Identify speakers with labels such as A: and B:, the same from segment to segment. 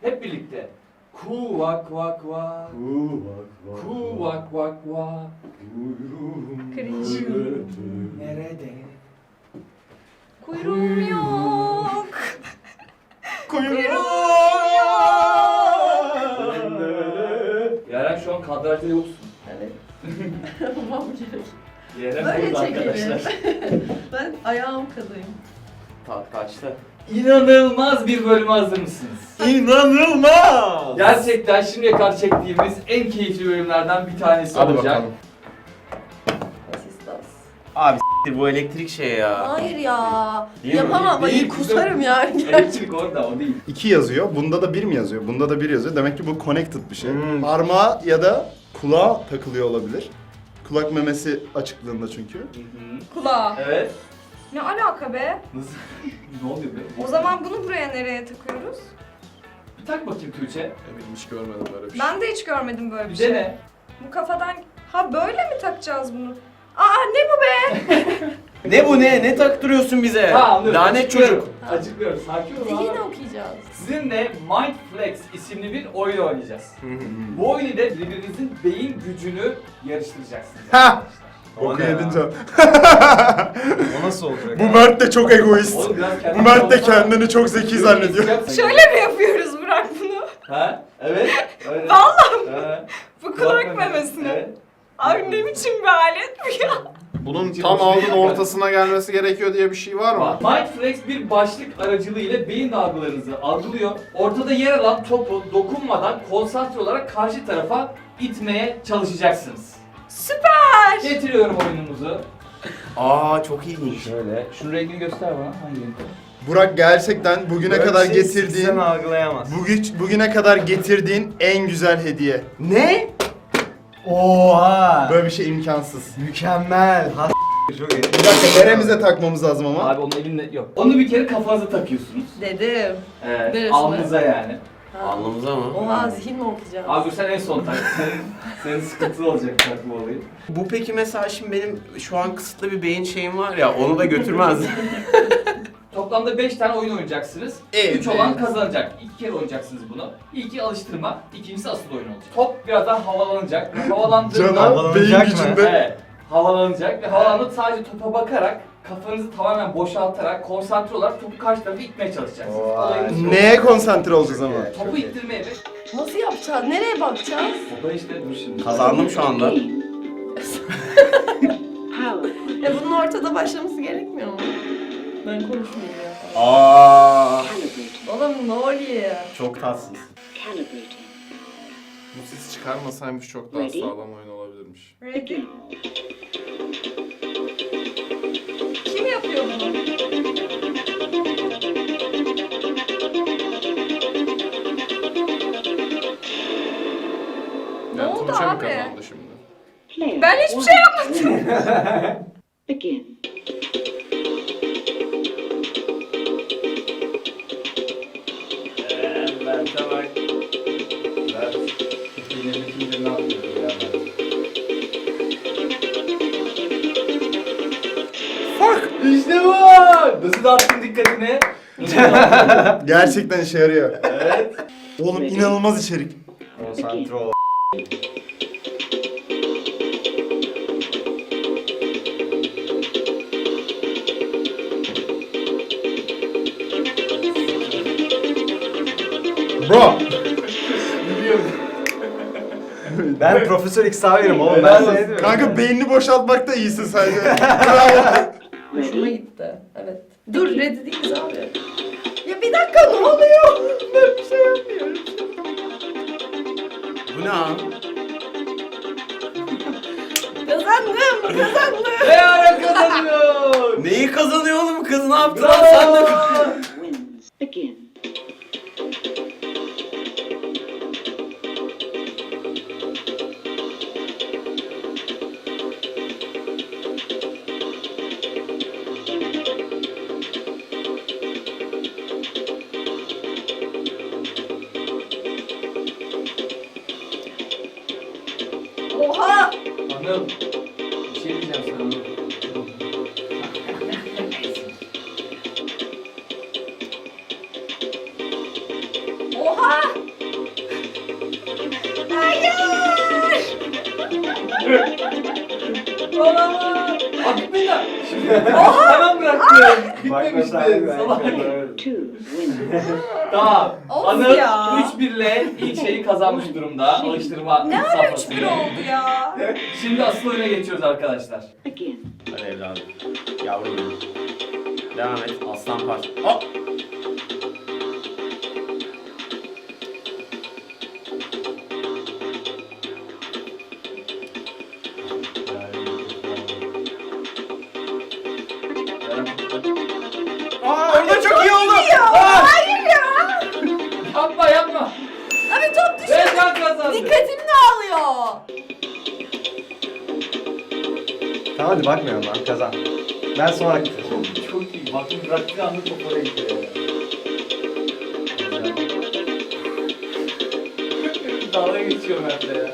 A: Hep birlikte. Kuvak vak vak. Kuvak vak vak.
B: Cringe.
A: Nerede?
B: Kuyruğum yok.
A: Yaren şu an kadrajda yoksun.
B: Evet. Tamam gerek.
A: Yaren
B: Böyle
A: burada
B: çekelim.
A: arkadaşlar.
B: Ben ayağım kadayım.
C: Kaçta?
A: İnanılmaz bir bölüme hazır mısınız?
C: İnanılmaz!
A: Gerçekten şimdiye kadar çektiğimiz en keyifli bölümlerden bir tanesi
C: Hadi
A: olacak.
C: bakalım.
B: Asistas.
C: Abi bu elektrik şey ya.
B: Hayır ya.
C: Değil mi?
B: Yapamam.
A: Değil,
B: Hayır kusarım yani.
A: Elektrik orada, o değil.
D: 2 yazıyor. Bunda da 1 mi yazıyor? Bunda da 1 yazıyor. Demek ki bu connected bir şey.
C: Hmm.
D: Parmağa ya da kulağa takılıyor olabilir. Kulak memesi açıklığında çünkü.
B: Kulağa.
A: Evet.
B: Ne alaka be?
A: Nasıl? Ne oluyor be?
B: O zaman bunu buraya nereye takıyoruz?
A: Bir tak bakayım Tuğçe.
E: Eminim hiç görmedim böyle bir şey.
B: Ben de hiç görmedim böyle bir
A: Bir
B: şey.
A: dene.
B: Bu kafadan... Ha böyle mi takacağız bunu? Aa ne bu be?
C: Ne bu ne? Ne taktırıyorsun bize?
A: Ha, anlıyorum.
C: Lanet
A: Açıklıyorum.
C: çocuk.
A: Açıklıyorum. Sakin ol.
B: Yine
A: abi.
B: okuyacağız.
A: Sizinle Mindflex isimli bir oyun oynayacağız. Bu oyunu ile birbirinizin beyin gücünü yarıştıracaksınız.
D: Ha!
A: arkadaşlar.
C: O ne
D: Okuyadınca.
C: ya? O nasıl olacak?
D: Bu Mert de çok egoist.
A: Oğlum biraz
D: Bu
A: kendini
D: Mert de
A: savunsan-
D: kendini çok zeki zannediyor.
B: Şöyle mi yapıyoruz Burak bunu?
A: Ha? Evet. Öyle.
B: Vallahi
A: Bu
B: bu kulak memesine.
A: Evet.
B: Abi ne biçim bir alet bu ya?
E: Bunun tam aldın ortasına gelmesi gerekiyor diye bir şey var mı?
A: Mindflex bir başlık aracılığıyla beyin dalgalarınızı algılıyor. Ortada yer alan topu dokunmadan konsantre olarak karşı tarafa itmeye çalışacaksınız.
B: Süper!
A: Getiriyorum oyunumuzu.
C: Aa çok ilginç.
A: Şöyle. Şunun rengini göster bana. Hangi renk?
D: Burak gerçekten bugüne kadar
C: Sen
D: getirdiğin
C: algılayamaz.
D: bugüne kadar getirdiğin en güzel hediye.
C: Ne? Oha!
D: Böyle bir şey imkansız.
C: Mükemmel. Çok iyi.
D: Bir dakika neremize takmamız lazım ama.
A: Abi onun elinde yok. Onu bir kere kafanıza takıyorsunuz.
B: Dedim.
A: Evet.
B: Neresine?
A: Alnınıza yani.
C: Alnımıza mı?
B: Oha zihin mi okuyacağız?
A: Abi dur sen en son tak. Senin sıkıntılı olacak takma olayı.
C: Bu peki mesela şimdi benim şu an kısıtlı bir beyin şeyim var ya onu da götürmez.
A: Toplamda 5 tane oyun oynayacaksınız.
C: Evet.
A: 3 olan kazanacak. 2 kere oynayacaksınız bunu. İlki alıştırma, ikincisi asıl oyun olacak. Top birazdan havalanacak. Ve havalandığında...
D: Cana beyin
C: Havalanacak mı?
D: gücünde.
A: Evet. Havalanacak ve havalandığında sadece topa bakarak, kafanızı tamamen boşaltarak, konsantre olarak topu karşı tarafa itmeye çalışacaksınız.
C: Vay.
A: Olayımız bu.
D: Neye konsantre olacağız ama?
A: Topu ittirmeye ve...
B: Nasıl yapacağız? Nereye bakacağız?
A: Topa işte dur şimdi.
C: Kazandım şu anda.
B: Bunun ortada başlaması gerekmiyor mu? Ben konuşmayayım ya.
C: Aa,
B: Oğlum ne oluyor?
C: çok tatsız.
E: Bu ses çıkarmasaymış çok daha sağlam oyun olabilirmiş.
B: Ready? Kim yapıyor bunu? Ne oldu
E: Tuğçe mi
B: abi?
E: kazandı şimdi?
B: Ben hiçbir şey yapmadım.
F: Begin.
A: Mert'e bak. Mert. Yine bütün ne yapıyor ya Mert?
D: Fuck!
A: İşte bu! Nasıl dağıttın dikkatini?
D: Gerçekten işe yarıyor.
A: Evet.
D: Oğlum inanılmaz içerik.
C: Konsantre ol.
D: Bro!
A: Biliyorum.
C: Ben Profesör Xavier'im oğlum
A: Helal
C: ben
A: olsun.
C: sana diyorum.
D: Kanka beynini boşaltmakta iyisin sadece. Bravo.
B: Hoşuma gitti. Evet. Dur ready değiliz abi. Ya bir dakika ne oluyor? Ben bir şey yapmıyorum.
C: Bu ne abi?
B: Kazandım.
A: Ne ara kazanıyor?
C: Neyi kazanıyor oğlum kız ne yaptı lan sen de?
F: Wins. Begin.
B: Oha!
A: Anıl. Bir şey diyeceğim sana Anıl.
B: Oha!
A: Olamaz. Gitmedi lan. Hemen bıraktım. Gitmemişti. Salak.
F: 2 wins.
A: Tamam.
B: Of
A: Anıl
B: ya.
A: 3-1 ile ilk şeyi kazanmış durumda. Alıştırma
B: Ne ara
A: safhasını.
B: 3-1 oldu ya?
A: Şimdi asıl oyuna geçiyoruz arkadaşlar.
F: Again.
C: Hadi evladım. Yavrum benim. Devam et. Aslan parça. Hop. Aa orada çok iyi oldu. Aa!
B: Hayır ya.
A: Yapma yapma.
B: Abi top düşüyor.
A: Rezan kazandı.
B: Dikkatimi dağılıyor.
G: Tamam hadi bakmıyorum lan kazan. Ben sonra gideceğim.
A: Çok iyi. Bakın bıraktığı anda top oraya gidiyor. Dalga geçiyorum ben de ya.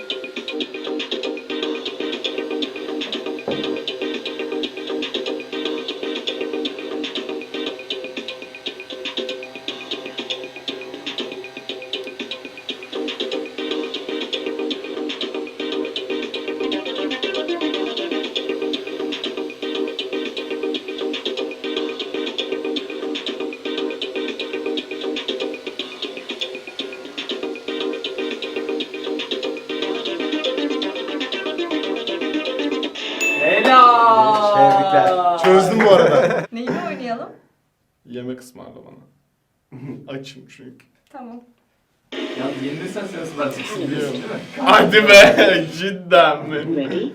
A: Helal.
G: Tebrikler.
D: Çözdüm bu arada.
B: Neyini oynayalım?
E: Yemek ısmarla bana. Açım çünkü.
B: Tamam.
A: Yalnız yenilirsen sen ısıracaksın biliyorsun değil mi?
E: Hadi be cidden mi?
F: Ready?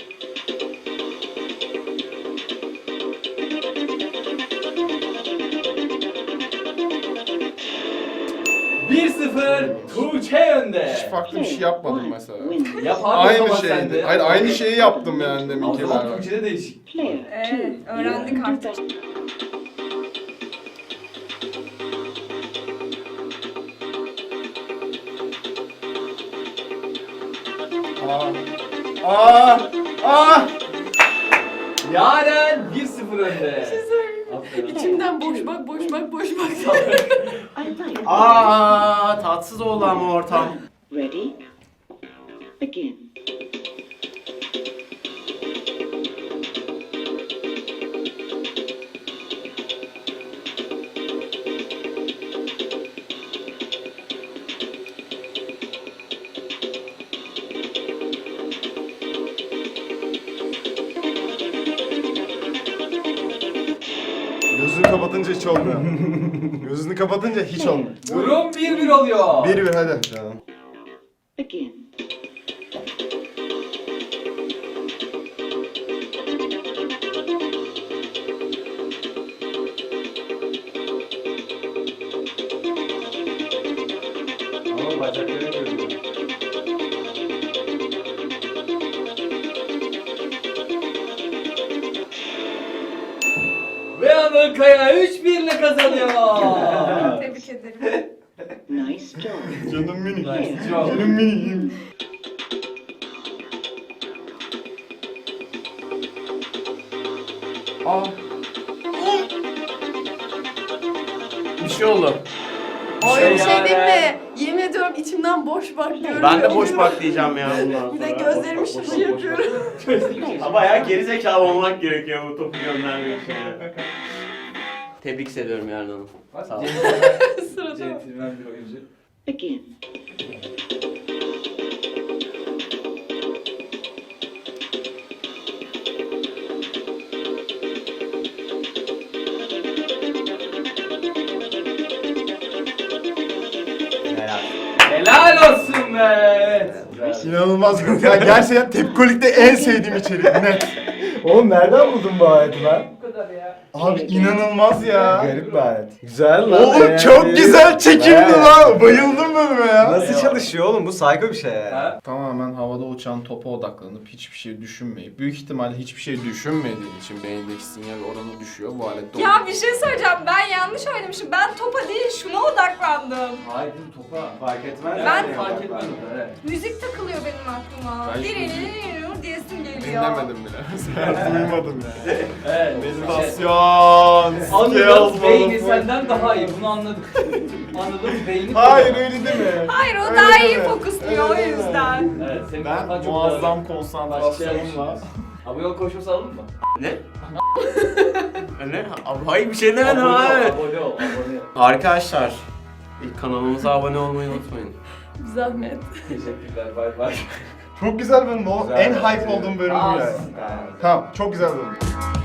A: Bir 0 Tuğçe önde.
E: Hiç farklı bir şey yapmadım mesela.
F: Wins.
A: Yap abi o
E: Aynı
A: zaman sen
E: şeydi.
A: de.
E: Hayır aynı şeyi yaptım yani
A: O
E: deminkiler.
A: zaman Tuğçe'de değişik.
F: Player 2.
B: Öğrendik artık.
A: Yaren 1-0 önde. Aferin.
B: İçimden boş bak, boş bak, boş bak.
F: I like.
C: Aa tatsız oldu ama ortam.
F: Ready? Again.
D: Gözünü kapatınca hiç olmuyor. Gözünü kapatınca hiç olmuyor.
A: Durum 1-1 oluyor.
D: 1-1 hadi.
G: Tamam.
F: Again.
A: Ama bacakları görüyor. Ve Anıl Kaya 3-1 ile kazanıyor.
B: Tebrik ederim.
F: Nice job.
D: Canım minik.
A: Nice job.
D: Canım minik.
C: Aa. Bir şey oldu.
B: Ay bir şey
A: Yaren.
B: diyeyim mi? Yemin ediyorum içimden boş bak diyorum.
C: Ben de boş bak diyeceğim ya bundan
B: Bir
C: sonra.
B: de gözlerimi şişi yapıyorum.
C: Ama ya gerizekalı olmak gerekiyor bu topu göndermek için. ya. Tebrik ediyorum Yarın Hanım. Sağ ol.
B: Sırada.
A: Centilmen bir oyuncu.
F: Again.
G: Helal.
A: Helal olsun be.
D: İnanılmaz. Ya gerçekten Tepkolik'te en sevdiğim içerik. Net.
G: Oğlum nereden buldun bu aleti lan?
A: Bu kadar ya.
D: Abi inanılmaz ya.
G: Garip bir alet. Güzel lan.
D: Oğlum çok güzel çekildi
G: Evet.
D: lan. Bayıldım bölüme ya.
G: Nasıl çalışıyor oğlum? Bu psycho bir şey ya.
A: Ha?
E: Tamamen havada uçan topa odaklanıp hiçbir şey düşünmeyip büyük ihtimalle hiçbir şey düşünmediğin için beyindeki sinyal oranı düşüyor. Bu alette
B: Ya bir şey söyleyeceğim. Ben yanlış oynamışım. Ben topa değil şuna odaklandım.
A: Hayır bu topa.
G: Fark etmez.
B: Ben-
A: Fark etmedim de, evet.
B: Müzik takılıyor benim aklıma.
E: Ben-
B: Dirililir diyesim geliyor.
E: dinlemedim bile.
D: Duymadım ya.
A: Evet.
E: Meditasyon.
A: Anıl
E: skills,
A: beyni
E: motherfucker.
A: senden daha iyi bunu anladık. Anıl'ın beynini
E: Hayır
A: kocaman.
E: öyle deme.
B: Hayır o
E: Öyle
B: daha iyi
E: deme.
B: fokusluyor o
E: Öyle deme.
B: yüzden.
A: Evet, senin kafan
E: Ben
A: çok
E: muazzam
A: dağınık. Başka
E: konsantrasyonla.
A: şey Abi yol koşması alın mı?
C: Ne? Ne? Abi hayır bir şey demedim
A: Abone ol,
C: abi.
A: abone ol, abone ol.
C: Arkadaşlar kanalımıza abone olmayı unutmayın.
B: Zahmet.
A: Teşekkürler, bay bay.
D: Çok güzel bölüm o.
A: Güzel.
D: En hype olduğum bölüm bu
A: Aa,
D: yani. Tamam çok güzel bölüm.